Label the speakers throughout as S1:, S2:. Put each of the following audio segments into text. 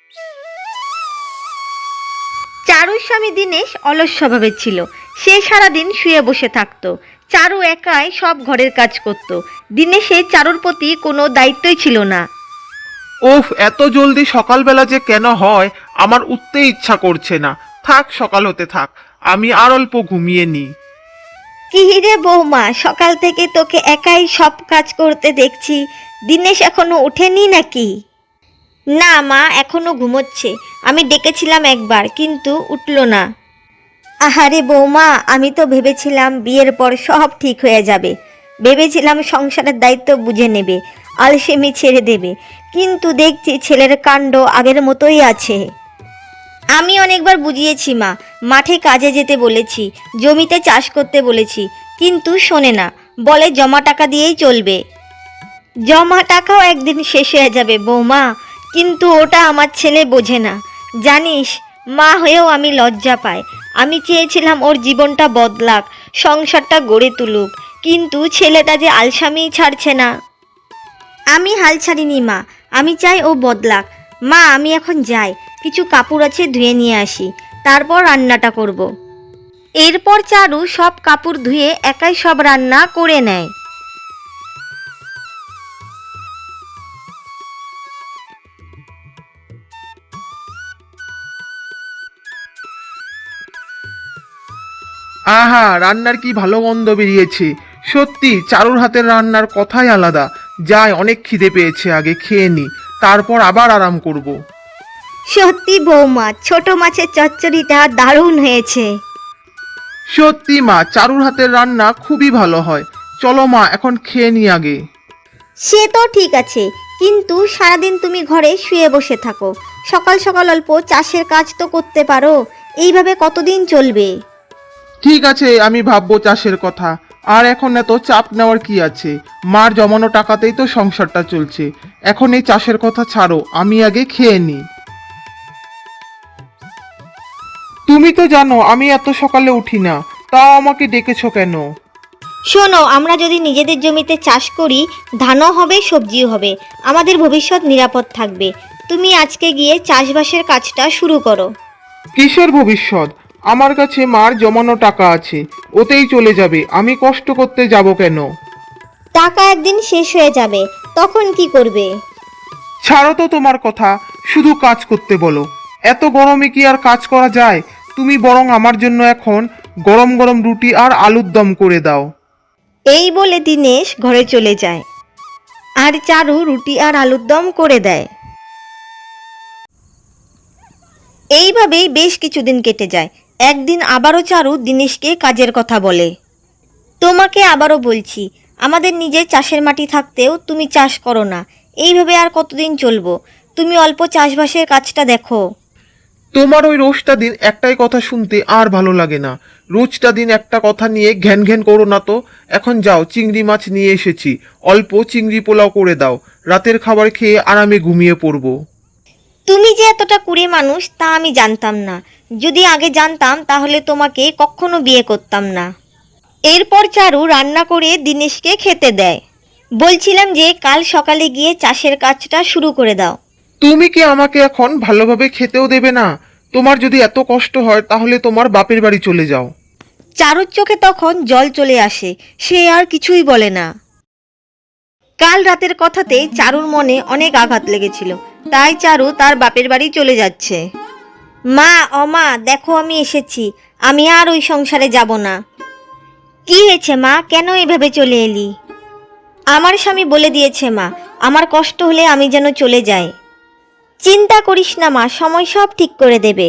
S1: চারুর স্বামী দিনেশ অলস স্বভাবের ছিল। সে সারাদিন শুয়ে বসে থাকতো। চারু একাই সব ঘরের কাজ করত। দিনেশের চারুর প্রতি কোনো দায়িত্বই ছিল না।
S2: ওফ, এত জলদি সকালবেলা যে কেন হয় আমার উঠতে ইচ্ছা করছে না। থাক, সকাল হতে থাক, আমি আর অল্প ঘুমিয়ে নিই।
S1: কি রে বৌমা, সকাল থেকে তোকে একাই সব কাজ করতে দেখছি। দিনেশ এখনো ওঠেনি নাকি? না মা, এখনো ঘুমোচ্ছে। আমি ডেকেছিলাম একবার, কিন্তু উঠল না। আহারে বৌমা, আমি তো ভেবেছিলাম বিয়ের পর সব ঠিক হয়ে যাবে। ভেবেছিলাম সংসারের দায়িত্ব বুঝে নেবে, আলসেমি ছেড়ে দেবে। কিন্তু দেখছি ছেলের কাণ্ড আগের মতোই আছে। আমি অনেকবার বুঝিয়েছি মা, মাঠে কাজে যেতে বলেছি, জমিতে চাষ করতে বলেছি, কিন্তু শোনে না। বলে জমা টাকা দিয়েই চলবে। জমা টাকাও একদিন শেষ হয়ে যাবে বৌমা, কিন্তু ওটা আমার ছেলে বোঝে না। জানিস, মা হয়েও আমি লজ্জা পাই। আমি চেয়েছিলাম ওর জীবনটা বদলাক, সংসারটা গড়ে তুলুক, কিন্তু ছেলেটা যে আলসামিই ছাড়ছে না। আমি হাল ছাড়িনি মা, আমি চাই ও বদলাক। মা, আমি এখন যাই, কিছু কাপড় আছে ধুয়ে নিয়ে আসি, তারপর রান্নাটা করব। এরপর চারু সব কাপড় ধুয়ে একাই সব রান্না করে নেয়।
S2: আহা, রান্নার কি ভালো গন্ধ বেরিয়েছে। সত্যি চারুর হাতের রান্নার কথাই আলাদা। যাই, অনেক খিদে পেয়েছে, আগে খেয়ে নি, তারপর আবার আরাম করব।
S1: সত্যি বৌমা, ছোট মাছের চচ্চড়িটা দারুণ হয়েছে।
S2: সত্যি মা, চারুর হাতের রান্না খুবই ভালো হয়। চলো মা, এখন খেয়ে নি আগে।
S1: সে তো ঠিক আছে, কিন্তু সারাদিন তুমি ঘরে শুয়ে বসে থাকো। সকাল সকাল অল্প চাষের কাজ তো করতে পারো। এইভাবে কতদিন চলবে?
S2: ঠিক আছে, আমি ভাববো চাষের কথা। আর এখন এত চাপ নেওয়ার কি আছে? মার জমানো টাকাতেই তো সংসারটা চলছে। এখন এই চাষের কথা ছাড়ো, আমি আগে খেয়ে নিই। তুমি তো জানো আমি এত সকালে উঠি না, তাও আমাকে ডেকেছো কেন?
S1: শোনো, আমরা যদি নিজেদের জমিতে চাষ করি, ধানও হবে, সবজিও হবে, আমাদের ভবিষ্যৎ নিরাপদ থাকবে। তুমি আজকে গিয়ে চাষবাসের কাজটা শুরু করো।
S2: কিসের ভবিষ্যৎ? আমার কাছে মার জমানো টাকা আছে, ওতেই চলে যাবে। আমি কষ্ট করতে যাব কেন?
S1: টাকা একদিন শেষ হয়ে যাবে, তখন কি করবে?
S2: ছাড়ো তো তোমার কথা, শুধু কাজ করতে বলো। এত গরমে কি আর কাজ করা যায়? তুমি বরং আমার জন্য এখন গরম গরম রুটি আর আলুর দম করে দাও।
S1: এই বলে দিনেশ ঘরে চলে যায়, আর চারু রুটি আর আলুর দম করে দেয়। এইভাবেই বেশ কিছুদিন কেটে যায়। একদিন আবারও চারু দিনেশকে কাজের কথা বলে। তোমাকে আবারও বলছি, আমাদের নিজের চাষের মাটি থাকতেও তুমি চাষ করো না। এইভাবে আর কতদিন চলবো? তুমি অল্প চাষবাসের কাজটা দেখো।
S2: তোমার ওই রোজটা দিন একটাই কথা শুনতে আর ভালো লাগে না। রোজটা দিন একটা কথা নিয়ে ঘ্যান ঘ্যান করো না তো। এখন যাও, চিংড়ি মাছ নিয়ে এসেছি, অল্প চিংড়ি পোলাও করে দাও। রাতের খাবার খেয়ে আরামে ঘুমিয়ে পড়বো।
S1: তুমি যে এতটা কুড়ে মানুষ তা আমি জানতাম না। যদি আগে জানতাম তাহলে তোমাকে কখনো বিয়ে করতাম না। এরপর চারু রান্না করে দিনেশকে খেতে দেয়। বলছিলাম যে কাল সকালে গিয়ে চাষের কাজটা শুরু করে দাও।
S2: তুমি কি আমাকে এখন ভালোভাবে খেতেও দেবে না? তোমার যদি এত কষ্ট হয় তাহলে তোমার বাপের বাড়ি চলে যাও।
S1: চারুর চোখে তখন জল চলে আসে, সে আর কিছুই বলে না। কাল রাতের কথাতে চারুর মনে অনেক আঘাত লেগেছিল, তাই চারু তার বাপের বাড়ি চলে যাচ্ছে। মা, মা, দেখো আমি এসেছি। আমি আর ওই সংসারে যাব না। কি হয়েছে মা, কেন এভাবে চলে এলি? আমার স্বামী বলে দিয়েছে মা, আমার কষ্ট হলে আমি যেন চলে যাই। চিন্তা করিস না মা, সময় সব ঠিক করে দেবে।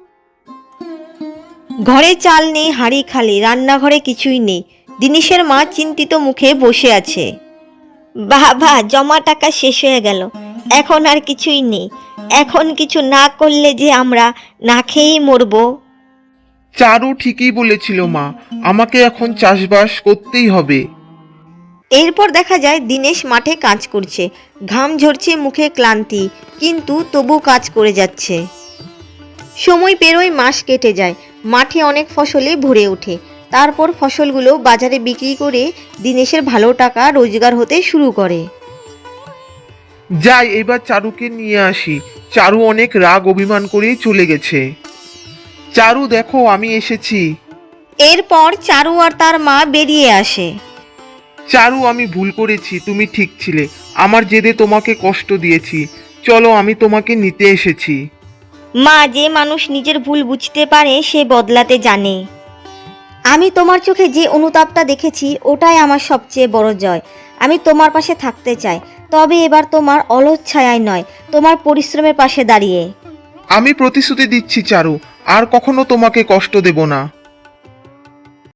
S1: ঘরে চাল নেই, হাঁড়ি খালি, রান্নাঘরে কিছুই নেই। দিনেশের মা চিন্তিত মুখে বসে আছে। বাবা, জমা টাকা শেষ হয়ে গেল, এখন আর কিছুই নেই। এখন কিছু না করলে যে আমরা না খেয়েই মরবো।
S2: চারু ঠিকই বলেছিল মা, আমাকে এখন চাষবাস করতেই হবে।
S1: এরপর দেখা যায় দিনেশ মাঠে কাজ করছে। ঘাম ঝরছে, মুখে ক্লান্তি, কিন্তু তবু কাজ করে যাচ্ছে। সময় পেরোয়, মাস কেটে যায়। মাঠে অনেক ফসলে ভরে ওঠে। তারপর ফসলগুলো বাজারে বিক্রি করে দিনেশের ভালো টাকা রোজগার হতে শুরু করে।
S2: যাই, এবার চারুকে নিয়ে আসি। চারু অনেক রাগ অভিমান করেই চলে গেছে। চারু দেখো আমি এসেছি।
S1: এরপর চারু আর তার মা বেরিয়ে আসে।
S2: চারু আমি ভুল করেছি, তুমি ঠিক ছিলে, আমার জেদে তোমাকে কষ্ট দিয়েছি, চলো আমি তোমাকে নিতে এসেছি।
S1: মা, যে মানুষ নিজের ভুল বুঝতে পারে সে বদলাতে জানে। আমি তোমার চোখে যে অনুতাপটা দেখেছি ওটাই আমার সবচেয়ে বড় জয়। আমি তোমার পাশে থাকতে চাই, তবে এবার তোমার অলস ছায়ায় নয়, তোমার পরিশ্রমের পাশে দাঁড়িয়ে।
S2: আমি প্রতিশ্রুতি দিচ্ছি চারু, আর কখনো তোমাকে কষ্ট দেব না।